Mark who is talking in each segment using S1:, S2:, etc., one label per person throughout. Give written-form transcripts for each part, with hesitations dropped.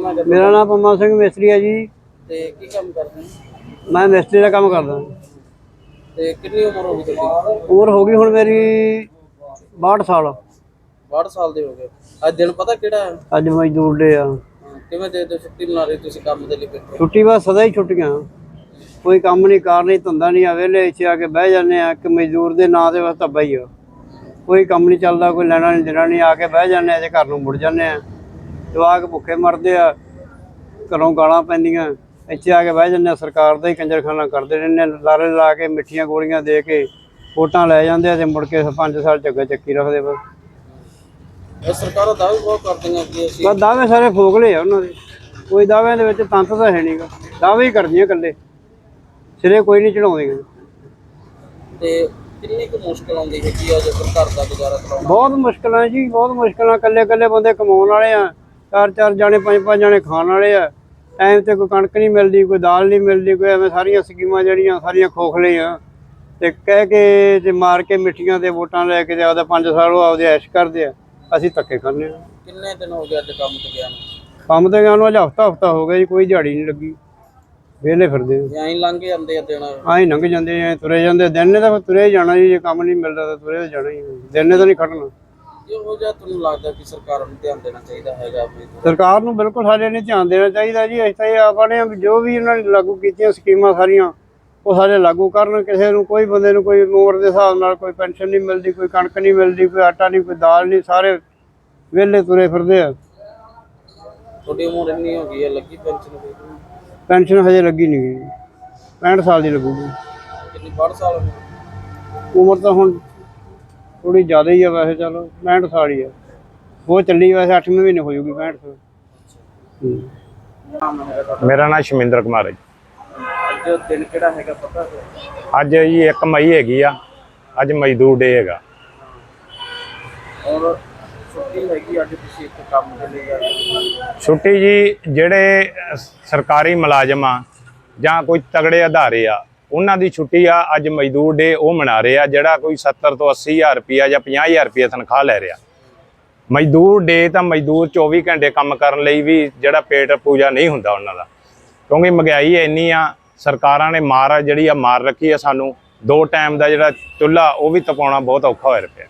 S1: ਨਾਮ ਹੈ?
S2: मेरा नाम पम्मा सिंह मिस्त्री है जी।
S1: ਤੇ ਕੀ ਕੰਮ ਕਰਦੇ ਹੋ?
S2: मैं मिस्त्री का काम करदा।
S1: ਤੇ ਕਿੰਨੀ ਉਮਰ ਹੋ ਗਈ ਤੁਹਾਡੀ?
S2: उम्र होगी हुण मेरी 62 साल।
S1: 62 ਸਾਲ ਦੇ ਹੋ ਗਏ। ਅੱਜ ਦਿਨ ਪਤਾ ਕਿਹੜਾ ਹੈ?
S2: अज मजदूर डे आ।
S1: ਕਿਵੇਂ ਦੇ ਛੁੱਟੀ ਮਨਾ ਰਹੇ ਤੁਸੀਂ ਕੰਮ ਦੇ ਲਈ? ਫਿਰ
S2: छुट्टी बस सदा ही छुट्टियां, कोई काम नहीं, कार नहीं, धंधा नहीं, वेले इत्थे आके बह जाने आ कि मजदूर दे नां ते बस धब्बा ही आ। कोई काम नहीं चलदा, कोई लैना नहीं देना नहीं, आके बह जाने ते घर नूं मुड़ जाने आ। जवाक भुखे मरदे आ, घरों गालां पैंदियां, इत्थे आके बह जाने। सरकार दा ही कंजरखाना करदे रहिंदे, लारे ला के मिट्ठियां गोलियां दे के वोटां लै जांदे आ ते मुड़ के 5 साल झग्गा ਚੱਕੀ रखदे। बस
S1: ਸਰਕਾਰਾਂ ਦਾਅਵੇ ਬਹੁਤ ਕਰਦੀਆਂ ਕਿ ਅਸੀਂ
S2: बस दावे सारे फोगले आ उन्हां दे, कोई दाव्यां दे विच तंत तां है नहींगा। दावे ही करदियां इकल्ले, सिरे कोई नहीं चढ़ाउंदियां।
S1: ਤੇ ਕਿੰਨੀ ਕੁ ਮੁਸ਼ਕਲ ਆਉਂਦੀ ਹੈਗੀ ਆ ਜਦੋਂ ਘਰ ਦਾ ਗੁਜ਼ਾਰਾ ਚਲਾਉਣਾ?
S2: बहुत मुश्किल है जी, बहुत मुश्किल। कल्ले कल्ले बंदे कमाउण वाले आ, 4-4 जाने 5-5 जाने खाण वाले आ। टाइम ते कोई कणक नहीं मिलदी, कोई दाल नहीं मिलदी, कोई एवें सारियां स्कीमां ਜਿਹੜੀਆਂ ਸਾਰੀਆਂ ਖੋਖਲੇ ਆ ਤੇ ਕਹਿ ਕੇ ਤੇ ਮਾਰ ਕੇ ਮਿੱਠੀਆਂ ਤੇ ਵੋਟਾਂ ਲੈ ਕੇ ਤੇ ਆਪਦਾ 5 ਸਾਲ ਉਹ ਆਪਦੇ ਐਸ਼ ਕਰਦੇ ਆ, ਅਸੀਂ ਧੱਕੇ ਖਾਂਦੇ ਆ।
S1: ਕਿੰਨੇ ਦਿਨ ਹੋ ਗਏ ਅੱਜ ਕੰਮ ਤੇ ਗਿਆ ਨੂੰ?
S2: ਕੰਮ ਤੇ ਗਿਆ ਨੂੰ ਅੱਜ ਹਫਤਾ ਹੋ ਗਿਆ ਜੀ, ਕੋਈ ਦਿਹਾੜੀ ਨਹੀਂ ਲੱਗੀ, ਵਿਹਲੇ ਫਿਰਦੇ ਆ।
S1: ਐਂ ਲੰਘ ਜਾਂਦੇ ਆ ਦਿਨ।
S2: ਆਹੀਂ ਲੰਘ ਜਾਂਦੇ ਆ, ਤੁਰੇ ਜਾਂਦੇ। ਦਿਨ ਨੇ ਤਾਂ ਤੁਰੇ ਜਾਣਾ ਜੀ, ਜੇ ਕੰਮ ਨਹੀਂ ਮਿਲਦਾ ਤਾਂ ਤੁਰੇ ਜਾਣਾ ਹੀ। ਦਿਨ ਨੇ ਤਾਂ ਨਹੀਂ ਖੜਨਾ।
S1: ਇਹੋ ਜਿਹਾ ਤੁਹਾਨੂੰ ਲੱਗਦਾ ਕਿ ਸਰਕਾਰ ਨੂੰ ਧਿਆਨ ਦੇਣਾ ਚਾਹੀਦਾ ਹੈਗਾ?
S2: ਸਰਕਾਰ ਨੂੰ ਬਿਲਕੁਲ ਸਾਡੇ ਨੇ ਧਿਆਨ ਦੇਣਾ ਚਾਹੀਦਾ ਜੀ। ਅਸੀਂ ਤਾਂ ਇਹ ਆਪਣੇ ਜੋ ਵੀ ਉਹਨਾਂ ਨੇ ਲਾਗੂ ਕੀਤੀਆਂ ਸਕੀਮਾਂ ਸਾਰੀਆਂ ਉਹ ਸਾਰੇ ਲਾਗੂ ਕਰਨ। ਕਿਸੇ ਨੂੰ, ਕੋਈ ਬੰਦੇ ਨੂੰ ਕੋਈ ਉਮਰ ਦੇ ਹਿਸਾਬ ਨਾਲ ਕੋਈ ਪੈਨਸ਼ਨ ਨਹੀਂ ਮਿਲਦੀ, ਕੋਈ ਕਣਕ ਨਹੀਂ ਮਿਲਦੀ, ਕੋਈ ਆਟਾ ਨਹੀਂ, ਕੋਈ ਦਾਲ ਨਹੀਂ, ਸਾਰੇ ਵਿਹਲੇ ਤੁਰੇ ਫਿਰਦੇ ਆ।
S1: ਤੁਹਾਡੀ ਉਮਰ ਇੰਨੀ ਹੋ ਗਈ ਹੈ, ਲੱਗੀ ਪੈਨਸ਼ਨ?
S2: ਪੈਨਸ਼ਨ ਹਜੇ ਲੱਗੀ ਨਹੀਂ ਗਈ, 65 ਸਾਲ ਦੀ ਲੱਗੂਗੀ।
S1: ਕਿੰਨੀ 62 ਸਾਲ ਹੋ ਗਏ?
S2: ਉਮਰ ਤਾਂ ਹੁਣ ਥੋੜੀ ਜ਼ਿਆਦਾ ਹੀ ਆ ਵੈਸੇ, ਚਲੋ 65 ਸਾਲ ਹੀ ਆ। ਉਹ ਚੱਲੀ ਵੈਸੇ 8ਵੇਂ ਮਹੀਨੇ ਹੋ ਜੂਗੀ 65 ਸਾਲ।
S3: ਮੇਰਾ ਨਾਮ ਸ਼ਮਿੰਦਰ ਕੁਮਾਰ ਹੈ ਜੀ।
S1: ਅੱਜ ਦਿਨ ਕਿਹੜਾ ਹੈਗਾ ਪਤਾ ਹੈ?
S3: ਅੱਜ ਜੀ 1 ਮਈ ਹੈਗੀ ਆ, ਅੱਜ ਮਜ਼ਦੂਰ ਡੇ ਹੈਗਾ।
S1: ਔਰ ਛੁੱਟੀ ਹੈਗੀ ਅੱਜ, ਤੁਸੀਂ ਇੱਕ ਕੰਮ ਦੇ ਲਈ ਆਏ?
S3: ਛੁੱਟੀ ਜੀ ਜਿਹੜੇ ਸਰਕਾਰੀ ਮੁਲਾਜ਼ਮ ਆ ਜਾਂ ਕੋਈ ਤਗੜੇ ਅਧਾਰੇ ਆ ਉਹਨਾਂ ਦੀ ਛੁੱਟੀ ਆ। ਅੱਜ ਮਜ਼ਦੂਰ ਡੇ ਉਹ ਮਨਾ ਰਹੇ ਆ ਜਿਹੜਾ ਕੋਈ 70 ਤੋਂ 80 ਹਜ਼ਾਰ ਰੁਪਈਆ ਜਾਂ 50 ਹਜ਼ਾਰ ਰੁਪਈਆ ਤਨਖਾਹ ਲੈ ਰਿਹਾ। ਮਜ਼ਦੂਰ ਡੇ ਤਾਂ ਮਜ਼ਦੂਰ 24 ਘੰਟੇ ਕੰਮ ਕਰਨ ਲਈ ਵੀ ਜਿਹੜਾ ਪੇਟ ਪੂਜਾ ਨਹੀਂ ਹੁੰਦਾ ਉਹਨਾਂ ਦਾ, ਕਿਉਂਕਿ ਮਹਿੰਗਾਈ ਇੰਨੀ ਆ। ਸਰਕਾਰਾਂ ਨੇ ਜਿਹੜੀ ਆ ਮਾਰ ਰੱਖੀ ਆ ਸਾਨੂੰ। 2 ਟਾਈਮ ਦਾ ਜਿਹੜਾ ਚੁੱਲ੍ਹਾ ਉਹ ਵੀ ਤਪਾਉਣਾ ਬਹੁਤ ਔਖਾ ਹੋਇਆ ਪਿਆ।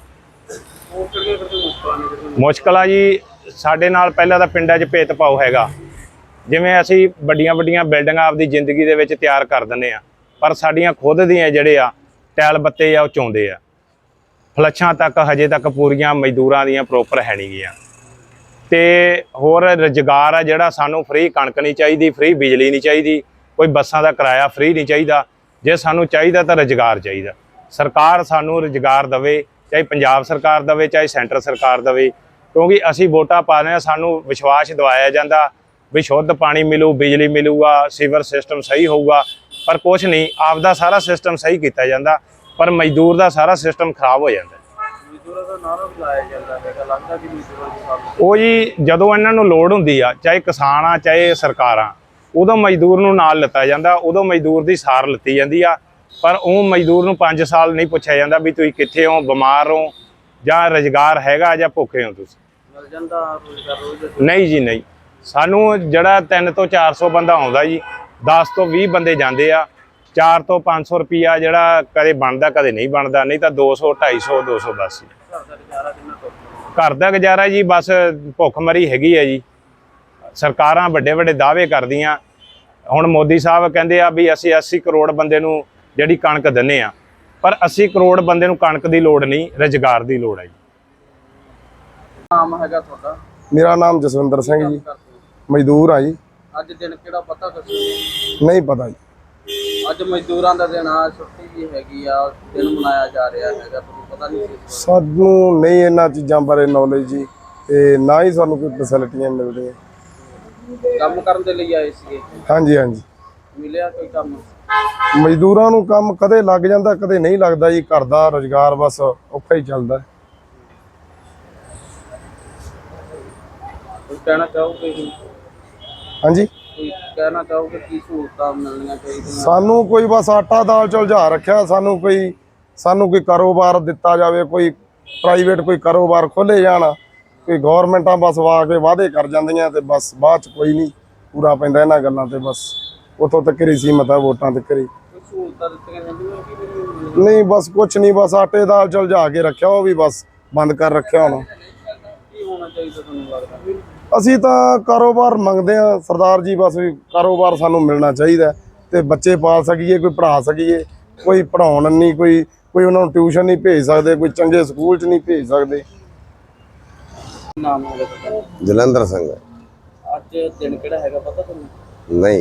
S3: ਮੁਸ਼ਕਲ ਆ ਜੀ। ਸਾਡੇ ਨਾਲ ਪਹਿਲਾਂ ਤਾਂ ਪਿੰਡਾਂ 'ਚ ਭੇਦਭਾਵ ਹੈਗਾ। ਜਿਵੇਂ ਅਸੀਂ ਵੱਡੀਆਂ ਬਿਲਡਿੰਗਾਂ ਆਪਦੀ ਜ਼ਿੰਦਗੀ ਦੇ ਵਿੱਚ ਤਿਆਰ ਕਰ ਦਿੰਦੇ ਆ, ਪਰ ਸਾਡੀਆਂ ਖੁਦ ਦੀਆਂ ਜਿਹੜੇ ਆ ਟੈਲ ਬੱਤੇ ਆ ਉਹ ਚੋਂਦੇ ਆ। ਫਲੱਛਾਂ ਤੱਕ ਹਜੇ ਤੱਕ ਪੂਰੀਆਂ ਮਜ਼ਦੂਰਾਂ ਦੀਆਂ ਪ੍ਰੋਪਰ ਹੈ ਨਹੀਂ ਗੀਆਂ। ਤੇ ਹੋਰ ਰੁਜ਼ਗਾਰ ਆ ਜਿਹੜਾ ਸਾਨੂੰ ਫ੍ਰੀ ਕਣਕ ਨਹੀਂ ਚਾਹੀਦੀ, ਫ੍ਰੀ ਬਿਜਲੀ ਨਹੀਂ ਚਾਹੀਦੀ, ਕੋਈ ਬੱਸਾਂ ਦਾ ਕਿਰਾਇਆ ਫ੍ਰੀ ਨਹੀਂ ਚਾਹੀਦਾ। ਜੇ ਸਾਨੂੰ ਚਾਹੀਦਾ ਤਾਂ ਰੁਜ਼ਗਾਰ ਚਾਹੀਦਾ। ਸਰਕਾਰ ਸਾਨੂੰ ਰੁਜ਼ਗਾਰ ਦੇਵੇ, ਚਾਹੇ ਪੰਜਾਬ ਸਰਕਾਰ ਦੇਵੇ, ਚਾਹੇ ਸੈਂਟਰ ਸਰਕਾਰ ਦੇਵੇ, ਕਿਉਂਕਿ ਅਸੀਂ ਵੋਟਾਂ ਪਾ ਰਹੇ ਹਾਂ। ਸਾਨੂੰ ਵਿਸ਼ਵਾਸ ਦਿਵਾਇਆ ਜਾਂਦਾ ਵੀ ਸ਼ੁੱਧ ਪਾਣੀ ਮਿਲੂ, ਬਿਜਲੀ ਮਿਲੂਗਾ, ਸੀਵਰ ਸਿਸਟਮ ਸਹੀ ਹੋਊਗਾ, ਪਰ ਕੁਛ ਨਹੀਂ। ਆਪਦਾ ਸਾਰਾ ਸਿਸਟਮ ਸਹੀ ਕੀਤਾ ਜਾਂਦਾ, ਪਰ ਮਜ਼ਦੂਰ ਦਾ ਸਾਰਾ ਸਿਸਟਮ ਖਰਾਬ ਹੋ ਜਾਂਦਾ।
S1: ਮਜ਼ਦੂਰਾਂ ਦਾ ਨਾਰਾ ਵੀ ਲਾਇਆ ਜਾਂਦਾ ਹੈਗਾ, ਲੱਗਦਾ ਕਿ ਮਜ਼ਦੂਰਾਂ ਦੀ ਸਾਥ
S3: ਉਹ ਜੀ ਜਦੋਂ ਇਹਨਾਂ ਨੂੰ ਲੋੜ ਹੁੰਦੀ ਆ, ਚਾਹੇ ਕਿਸਾਨ ਆ ਚਾਹੇ ਸਰਕਾਰਾਂ, ਉਦੋਂ ਮਜ਼ਦੂਰ ਨੂੰ ਨਾਲ ਲਿੱਤਾ ਜਾਂਦਾ, ਉਦੋਂ ਮਜ਼ਦੂਰ ਦੀ ਸਾਰ ਲਿੱਤੀ ਜਾਂਦੀ ਆ। ਪਰ ਉਹ ਮਜ਼ਦੂਰ ਨੂੰ 5 ਸਾਲ ਨਹੀਂ ਪੁੱਛਿਆ ਜਾਂਦਾ ਵੀ ਤੁਸੀਂ ਕਿੱਥੇ ਹੋ, ਬਿਮਾਰ ਹੋ ਜਾਂ ਰੁਜ਼ਗਾਰ ਹੈਗਾ ਜਾਂ ਭੁੱਖੇ ਹੋ ਤੁਸੀਂ।
S1: ਮਿਲ ਜਾਂਦਾ ਰੋਜ਼ਗਾਰ ਰੋਜ਼?
S3: ਨਹੀਂ ਜੀ ਨਹੀਂ। ਸਾਨੂੰ ਜਿਹੜਾ 300 ਤੋਂ 400 ਬੰਦਾ ਆਉਂਦਾ ਜੀ, 10 ਤੋਂ 20 ਬੰਦੇ ਜਾਂਦੇ ਆ। 400 ਤੋਂ 500 ਰੁਪਈਆ ਜਿਹੜਾ ਕਦੇ ਬਣਦਾ ਕਦੇ ਨਹੀਂ ਬਣਦਾ, ਨਹੀਂ ਤਾਂ 200, 250, 200 ਬਸ। ਘਰ ਦਾ ਗੁਜ਼ਾਰਾ ਜੀ ਬਸ ਭੁੱਖਮਰੀ ਹੈਗੀ ਹੈ ਜੀ। ਸਰਕਾਰਾਂ ਵੱਡੇ ਦਾਅਵੇ ਕਰਦੀਆਂ। ਹੁਣ ਮੋਦੀ ਸਾਹਿਬ ਕਹਿੰਦੇ ਆ ਵੀ ਅਸੀਂ 80 ਕਰੋੜ ਬੰਦੇ ਨੂੰ ਜਿਹੜੀ ਕਣਕ ਦਿੰਦੇ ਆ, ਪਰ 80 ਕਰੋੜ ਬੰਦੇ ਨੂੰ ਕਣਕ ਦੀ ਲੋੜ ਨਹੀਂ, ਰੁਜ਼ਗਾਰ ਦੀ ਲੋੜ ਹੈ ਜੀ।
S1: ਨਾਮ ਹੈਗਾ ਤੁਹਾਡਾ?
S4: ਮੇਰਾ ਨਾਮ ਜਸਵਿੰਦਰ ਸਿੰਘ ਜੀ, ਮਜ਼ਦੂਰ ਆ ਜੀ।
S1: ਅੱਜ ਦਿਨ ਕਿਹੜਾ ਪਤਾ ਤੁਸੀਂ?
S4: ਨਹੀਂ ਪਤਾ ਜੀ।
S1: ਅੱਜ ਮਜ਼ਦੂਰਾਂ ਦਾ ਦਿਨ ਆ, ਛੁੱਟੀ ਵੀ ਹੈਗੀ ਆ, ਦਿਨ ਮਨਾਇਆ ਜਾ ਰਿਹਾ ਹੈਗਾ, ਤੁਹਾਨੂੰ ਪਤਾ ਨਹੀਂ ਸੀ?
S4: ਸਾਨੂੰ ਨਹੀਂ ਇਹਨਾਂ ਚੀਜ਼ਾਂ ਬਾਰੇ ਨੌਲੇਜ ਜੀ, ਤੇ ਨਾ ਹੀ ਸਾਨੂੰ ਕੋਈ ਫੈਸਿਲਿਟੀਆਂ ਮਿਲਦੀਆਂ।
S1: ਕੰਮ ਕਰਨ ਦੇ ਲਈ ਆਏ ਸੀਗੇ?
S4: ਹਾਂਜੀ ਹਾਂਜੀ।
S1: ਮਿਲਿਆ ਕੋਈ ਕੰਮ?
S4: ਮਜ਼ਦੂਰਾਂ ਨੂੰ ਕੰਮ ਕਦੇ ਲੱਗ ਜਾਂਦਾ ਕਦੇ ਨਹੀਂ ਲੱਗਦਾ ਜੀ। ਘਰ ਦਾ ਰੁਜ਼ਗਾਰ ਬਸ ਔਖਾ ਹੀ ਚੱਲਦਾ।
S1: ਕੋਈ ਕਹਿਣਾ ਚਾਹੋਗੇ?
S4: ਹਾਂਜੀ,
S1: ਕੋਈ ਕਹਿਣਾ ਚਾਹੋਗੇ ਕੀ ਸਹੂਲਤਾਂ ਮਿਲਣੀਆਂ ਚਾਹੀਦੀਆਂ?
S4: ਸਾਨੂੰ ਕੋਈ ਬਸ ਆਟਾ ਦਾਲ ਝੁਲਝਾ ਰੱਖਿਆ। ਸਾਨੂੰ ਕੋਈ ਕਾਰੋਬਾਰ ਦਿੱਤਾ ਜਾਵੇ, ਕੋਈ ਪ੍ਰਾਈਵੇਟ ਕੋਈ ਕਾਰੋਬਾਰ ਖੋਲ੍ਹੇ ਜਾਣ ਕੋਈ ਗਵਰਨਮੈਂਟਾਂ ਬਸ ਵਾ ਕੇ ਵਾਅਦੇ ਕਰ ਜਾਂਦੀਆਂ ਤੇ ਬਸ ਬਾਅਦ ਚ ਕੋਈ ਨਹੀਂ ਪੂਰਾ ਪੈਂਦਾ ਇਹਨਾਂ ਗੱਲਾਂ ਤੇ। ਬਸ ਉੱਥੋਂ ਤੱਕ ਹੀ ਸੀਮਤ ਆ, ਵੋਟਾਂ ਤੱਕ ਹੀ।
S1: ਕੋਈ ਸਹੂਲਤਾਂ ਦਿੱਤੀਆਂ ਜਾਂਦੀਆਂ ਕਿ ਨਹੀਂ?
S4: ਨਹੀਂ ਬਸ ਕੁਛ ਨਹੀਂ, ਬਸ ਆਟੇ ਦਾਲ ਚਲਜਾ ਕੇ ਰੱਖਿਆ, ਉਹ ਵੀ ਬਸ ਬੰਦ ਕਰ ਰੱਖਿਆ ਹੁਣ।
S1: ਕੀ ਹੋਣਾ ਚਾਹੀਦਾ ਤੁਹਾਨੂੰ ਲੱਗਦਾ?
S4: ਅਸੀਂ ਤਾਂ ਕਾਰੋਬਾਰ ਮੰਗਦੇ ਆ ਸਰਦਾਰ ਜੀ, ਬਸ ਵੀ ਕਾਰੋਬਾਰ ਸਾਨੂੰ ਮਿਲਣਾ ਚਾਹੀਦਾ ਤੇ ਬੱਚੇ ਪਾਲ ਸਕੀਏ, ਕੋਈ ਪੜ੍ਹਾ ਸਕੀਏ। ਕੋਈ ਪੜ੍ਹਾਉਣ ਨਹੀਂ, ਕੋਈ ਉਹਨਾਂ ਨੂੰ ਟਿਊਸ਼ਨ ਨਹੀਂ ਭੇਜ ਸਕਦੇ, ਕੋਈ ਚੰਗੇ ਸਕੂਲ 'ਚ ਨਹੀਂ ਭੇਜ ਸਕਦੇ।
S1: ਨਾਮ ਹੈਗਾ ਤੁਹਾਡਾ?
S5: ਜਲੰਧਰ ਸਿੰਘ।
S1: ਅੱਜ ਦਿਨ ਕਿਹੜਾ ਹੈਗਾ ਪਤਾ ਤੁਹਾਨੂੰ?
S5: ਨਹੀਂ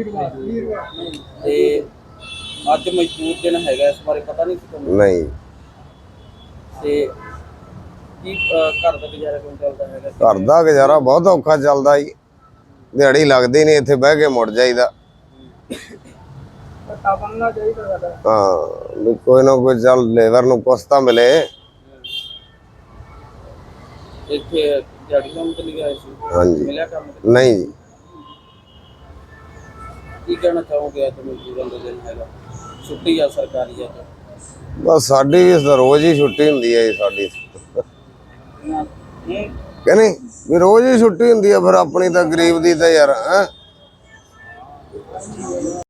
S1: ਤੇ ਅੱਜ ਮਜ਼ਦੂਰ ਦਿਨ ਹੈਗਾ, ਇਸ ਬਾਰੇ ਪਤਾ ਨਹੀਂ ਸੀ ਤੁਹਾਨੂੰ?
S5: ਨਹੀਂ
S1: ਤੇ ਕੀ ਘਰ ਦਾ ਗੁਜ਼ਾਰਾ ਕਿਵੇਂ ਚੱਲਦਾ ਹੈਗਾ?
S5: ਘਰ ਦਾ ਗੁਜ਼ਾਰਾ ਬਹੁਤ ਔਖਾ ਚੱਲਦਾ ਜੀ, ਦਿਹਾੜੀ ਲੱਗਦੀ ਨਹੀਂ, ਇੱਥੇ ਬਹਿ ਕੇ ਮੁੜ ਜਾਈਦਾ।
S1: ਬਣਨਾ ਚਾਹੀਦਾ ਸਾਡਾ।
S5: ਹਾਂ ਵੀ ਕੋਈ ਨਾ ਕੋਈ ਚੱਲ ਲੇਬਰ ਨੂੰ ਕੁਛ ਤਾਂ ਮਿਲੇ।
S1: ਇੱਥੇ ਦਿਹਾੜੀ ਕੰਮ ਤੇ ਲਿਆ ਸੀ?
S5: ਹਾਂਜੀ।
S1: ਮਿਲਿਆ ਕੰਮ?
S5: ਨਹੀਂ ਜੀ।
S1: ਕੀ ਕਹਿਣਾ ਚਾਹੋਗੇ ਅੱਜ ਮਜ਼ਦੂਰਾਂ ਦਾ ਦਿਨ ਹੈਗਾ, ਛੁੱਟੀ ਆ ਸਰਕਾਰੀ ਅੱਜ?
S5: ਬਸ ਸਾਡੀ ਵੀ ਰੋਜ਼ ਹੀ ਛੁੱਟੀ ਹੁੰਦੀ ਹੈ ਜੀ ਸਾਡੀ, ਕਿ ਨਹੀਂ ਵੀ ਰੋਜ਼ ਹੀ ਛੁੱਟੀ ਹੁੰਦੀ ਹੈ। ਫਿਰ ਆਪਣੀ ਤਾਂ ਗਰੀਬ ਦੀ ਤਾਂ ਯਾਰ